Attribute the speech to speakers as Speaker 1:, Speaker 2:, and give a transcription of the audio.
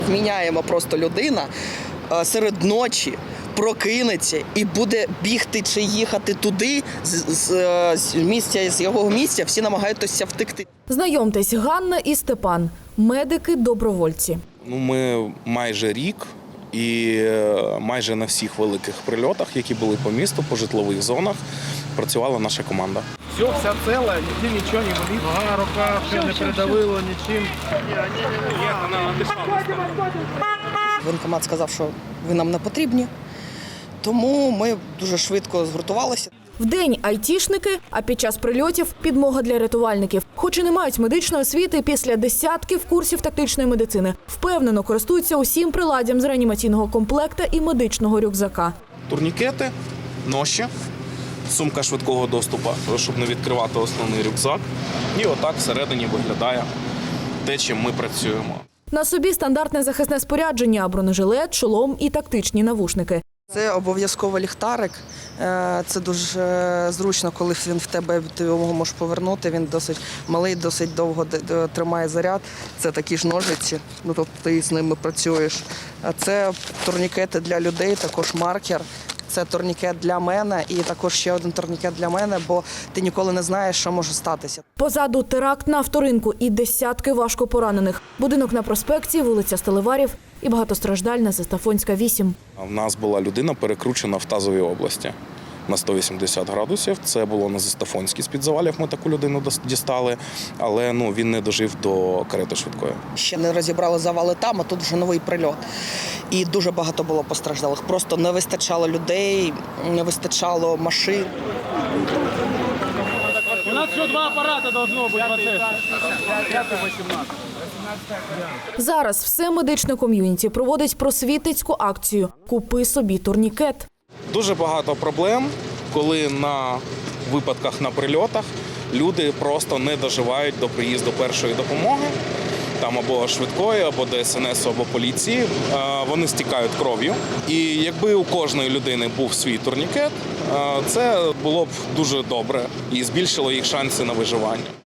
Speaker 1: Міняємо просто людина серед ночі прокинеться і буде бігти чи їхати туди з місця, з його місця, всі намагаються втекти.
Speaker 2: Знайомтесь, Ганна і Степан – медики-добровольці.
Speaker 3: Ми майже рік і майже на всіх великих прильотах, які були по місту, по житлових зонах, працювала наша команда.
Speaker 4: Вся ціла, ніде нічого не болить. Нога, рука, все не придавило нічим.
Speaker 1: Воєнкомат сказав, що ви нам не потрібні, тому ми дуже швидко згуртувалися.
Speaker 2: Вдень – айтішники, а під час прильотів – підмога для рятувальників. Хоч і не мають медичної освіти, після десятків курсів тактичної медицини впевнено користуються усім приладдям з реанімаційного комплекта і медичного рюкзака.
Speaker 3: Турнікети, ноші, сумка швидкого доступу, щоб не відкривати основний рюкзак. І отак всередині виглядає те, чим ми працюємо.
Speaker 2: На собі стандартне захисне спорядження – бронежилет, шолом і тактичні навушники.
Speaker 1: Це обов'язково ліхтарик. Це дуже зручно, коли він в тебе, ти його можеш повернути. Він досить малий, досить довго тримає заряд. Це такі ж ножиці, тобто ти з ними працюєш. Це турнікети для людей, також маркер. Це турнікет для мене і також ще один турнікет для мене, бо ти ніколи не знаєш, що може статися.
Speaker 2: Позаду теракт на авторинку і десятки важко поранених. Будинок на проспекті, вулиця Сталеварів і багатостраждальна Застафонська, 8.
Speaker 3: В нас була людина перекручена в тазовій області на 180 градусів. Це було на Застафонській з-під завалів, ми таку людину дістали, але він не дожив до карети швидкої.
Speaker 1: Ще не розібрали завали там, а тут вже новий прильот. І дуже багато було постраждалих. Просто не вистачало людей, не вистачало машин.
Speaker 4: У нас ще 2 апарати должно бути в оце.
Speaker 2: Зараз все медичне ком'юніті проводить просвітницьку акцію «Купи собі турнікет».
Speaker 3: Дуже багато проблем, коли на випадках на прильотах люди просто не доживають до приїзду першої допомоги, там або швидкої, або ДСНС, або поліції. Вони стікають кров'ю. І якби у кожної людини був свій турнікет, це було б дуже добре і збільшило їх шанси на виживання.